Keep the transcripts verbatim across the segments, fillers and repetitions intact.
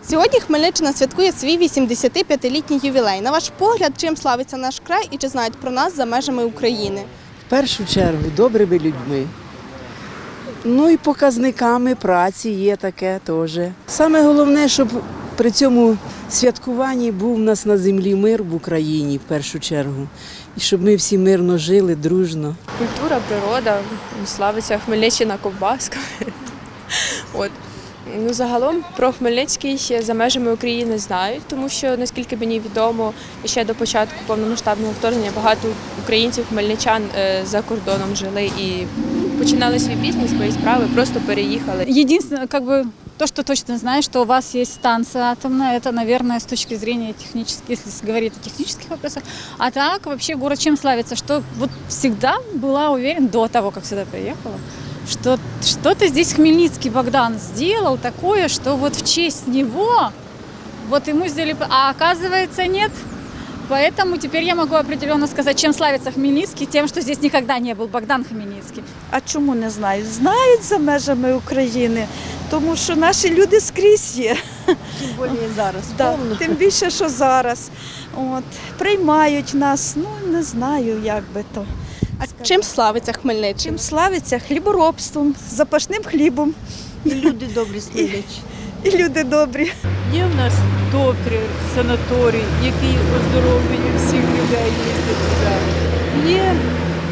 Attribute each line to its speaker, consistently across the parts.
Speaker 1: Сьогодні Хмельниччина святкує свій вісімдесятип'ятилітній ювілей. На ваш погляд, чим славиться наш край і чи знають про нас за межами України?
Speaker 2: В першу чергу добрими людьми. Ну і показниками праці є таке теж. Саме головне, щоб при цьому святкуванні був у нас на землі мир в Україні в першу чергу. І щоб ми всі мирно жили, дружно.
Speaker 3: Культура, природа, славиться Хмельниччина ковбасками. От. Ну, загалом про Хмельницький за межами України знають, тому що, наскільки мені відомо, ще до початку повномасштабного вторгнення багато українців, хмельничан за кордоном жили і починали свій бізнес, свої справи, просто переїхали.
Speaker 4: Единственное, как бы, то, что точно знаю, что у вас есть станция атомная, это, наверное, с точки зрения технических, если говорить о технических вопросах. А так, вообще, город чем славится? Что вот всегда была уверена, до того, как сюда приехала, что что-то здесь Хмельницкий Богдан сделал такое, что вот в честь него, вот ему сделали, а оказывается нет. Поэтому теперь я могу определенно сказать, чем славится Хмельницкий, тем, что здесь никогда не был Богдан Хмельницкий.
Speaker 5: А чому не знають? Знають за межами України, тому що наші люди скрізь є.
Speaker 2: Тим більше зараз.
Speaker 5: Да, тим більше, що зараз. От, приймають нас, ну не знаю, як би то.
Speaker 1: А чим славиться Хмельниччина?
Speaker 5: Чим славиться? Хліборобством, запашним хлібом.
Speaker 2: І люди добрі Хмельниччини.
Speaker 5: І люди добрі.
Speaker 6: Є в нас добрий санаторій, який оздоровлює всіх людей, їздить туди. Є м,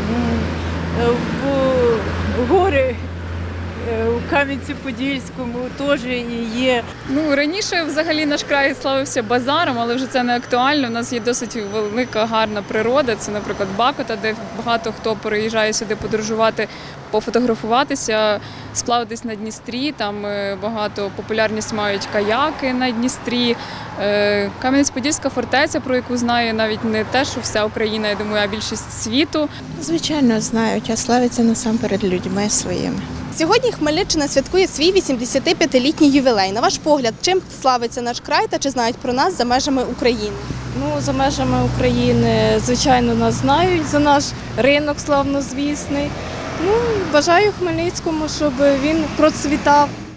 Speaker 6: в гори у Кам'янці-Подільському теж є.
Speaker 7: Ну, раніше взагалі наш край славився базаром, але вже це не актуально. У нас є досить велика, гарна природа. Це, наприклад, Бакота, де багато хто переїжджає сюди подорожувати, пофотографуватися, сплаватись на Дністрі. Там багато популярність мають каяки на Дністрі. Кам'янець-Подільська фортеця, про яку знає навіть не те, що вся Україна, я думаю, а більшість світу.
Speaker 8: Звичайно, знають, а славиться насамперед людьми своїми.
Speaker 1: Сьогодні Хмельниччина святкує свій вісімдесятип'ятилітній ювілей. На ваш погляд, чим славиться наш край та чи знають про нас за межами України?
Speaker 3: Ну, за межами України, звичайно, нас знають за наш ринок славнозвісний. Ну, бажаю Хмельницькому, щоб він процвітав.